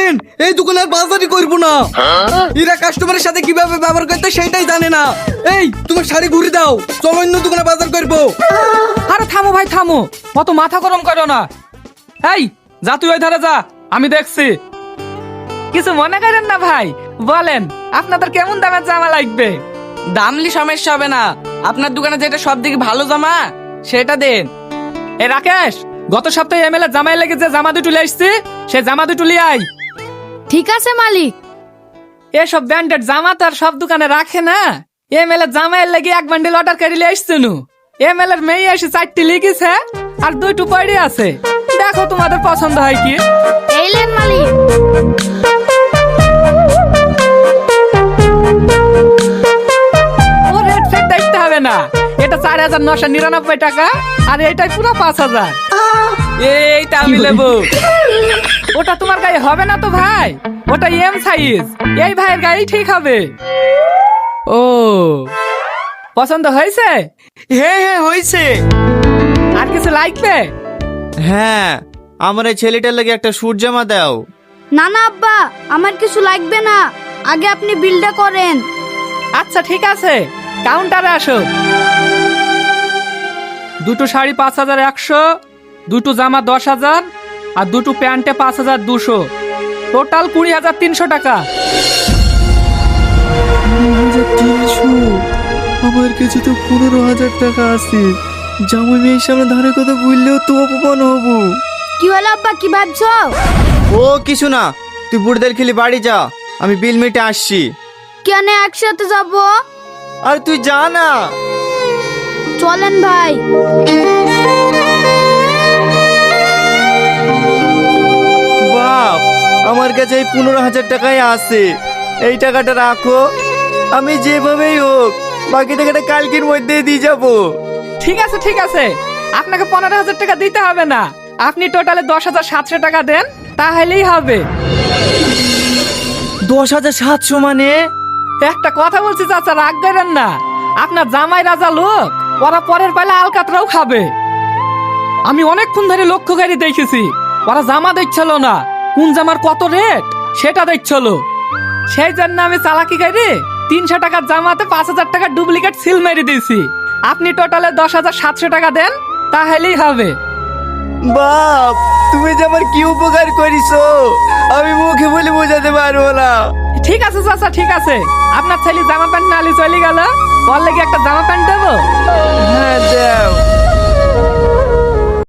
দেখেন এই দোকানে আর বাজারই করবো না। এরা কাস্টমারের সাথে কিভাবে ব্যবহার করতে সেটাই জানে না। এই তোমার শাড়ি ঘুরে দাও, চলো অন্য দোকানে বাজার করবো। আরে থামো ভাই থামো, অত মাথা গরম করো না। এই যা তুই ওই ধারে যা, আমি দেখছি। কিছু মনে করেন না ভাই, বলেন আপনাদের কেমন দামের জামা লাগবে? দামলি সমস্যা হবে না, আপনার দোকানে যেটা সব থেকে ভালো জামা সেটা দেন। এ রাকেশ, গত সপ্তাহে এমএলএ জামাই লেগে যে জামা দুটো লিয়ে আসছি, সে জামা দুটো লিয়ে আয়। ঠিক আছে মালিক। এসব ব্র্যান্ডেড জামা তো আর সব দোকানে রাখে না। এমএলএ জামাইয়ের লেগে এক বান্ডিল অর্ডার করে লিয়ে আসছে নু। এমএলএর মেয়ে এসে 4টি লিখেছে আর 2টো পড়ে আছে। দেখো তোমাদের পছন্দ হয় কি। এইলেন মালিক। ও রেট ফেট দেখতে হবে না, এটা 4,999 টাকা আর এইটাই পুরো 5,000। এইটা আমি নেবো। ওটা তোমার গায়ে হবে না তো ভাই, ওটা এম সাইজ, এই ভাইয়ের গায়ে ঠিক হবে। ও পছন্দ হয়েছে? হ্যাঁ হ্যাঁ হয়েছে। আর কিছু লাগবে? হ্যাঁ, আমার এই ছেলেটার লাগে একটা স্যুট জামা দাও। না না আব্বা, আমার কিছু লাগবে না, আগে আপনি বিলটা করেন। আচ্ছা ঠিক আছে, কাউন্টারে আসো। দুটো শাড়ি 5,100, দুটো জামা 10,000 আর দুটো প্যান্টে 5,200, টোটাল 20,300 টাকা। 300? আমার কাছে তো 15,000 টাকা আছে। জামাই মেয়ের সামনে ধারে কথা বললেও তো অপমান হবো। কি হলো আব্বা, কি ভাবছো? ও কিছু না, তুই বুড়দের খেলি বাড়ি যা, আমি বিল মিটে আসছি। কেন একসাথে যাব? আর তুই যা না। চলেন ভাই। বাপ, আমার কাছে এই 15,000 টাকাই আছে, এই টাকাটা রাখো। আমি যেভাবেই হোক বাকি টাকাটা কালকের মধ্যে দিয়ে যাবো। ঠিক আছে ঠিক আছে, আপনাকে 15,000 টাকা দিতে হবে না, আপনি টোটালে 10,700 টাকা দেন, তাহলেই হবে। 10,700 মানে? একটা কথা বলছি চাচা, রাগ করেন না। আপনার জামাই রাজা লোক, ওরা পরের পালে আলকাতরাও খাবে। আমি অনেকক্ষণ ধরে লক্ষ্য করে দেখেছি, ওরা জামা দেখছিল না, কোন জামার কত রেট সেটা দেখছিল। সেই জন্য আমি চালাকি করে 300 টাকার জামাতে 5,000 টাকার ডুপ্লিকেট সিল মেরে দিয়েছি। আপনি টোটালে 10,700 টাকা দেন, তাহলেই হবে। বাপ, তুমি যে আমার কি উপকার করিছো আমি মুখে বলে বোঝাতে পারবো না। ঠিক আছে চাচা ঠিক আছে, আপনার ছেলে জামা প্যান্ট নালি চলে গেল, ওর লেগে একটা জামা প্যান্ট দেবো। হ্যাঁ দাও।